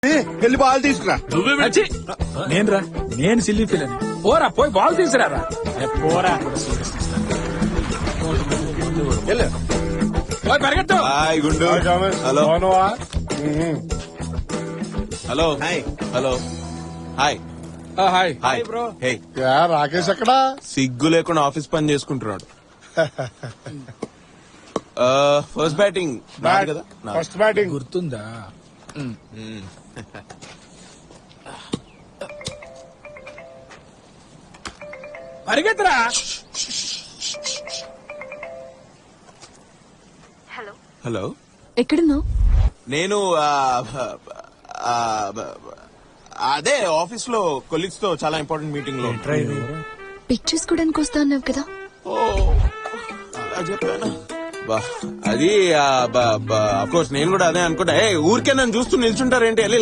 వెళ్ళి బాల్ తీసుకురా. వచ్చి నేను సిల్లీ ఫీల్ అని పోరా పోయి బాల్ తీసుకురారా. పోరా పోయి పరిగెత్తు. హాయ్ గుండు. Hello hello hello hi hi hi bro. Hey Rakesh ఎక్కడా? సిగ్గు లేకుండా ఆఫీస్ పని చేసుకుంటున్నాడు. ఫస్ట్ బ్యాటింగ్ కదా. ఫస్ట్ బ్యాటింగ్ గుర్తుందా? పరిగెత్తరా. హలో హలో ఎక్కడున్నావు? నేను అదే ఆఫీస్ లో కొలీగ్స్ తో చాలా ఇంపార్టెంట్ మీటింగ్ లో. పిక్ చేసుకోవడానికి వస్తా అన్నావు కదా. ఓ అలా చెప్పాను. అది అఫ్ కోర్స్ నేను కూడా అదే అనుకుంటా. ఊరికే నన్ను చూస్తూ నిల్చుంటారేంటి?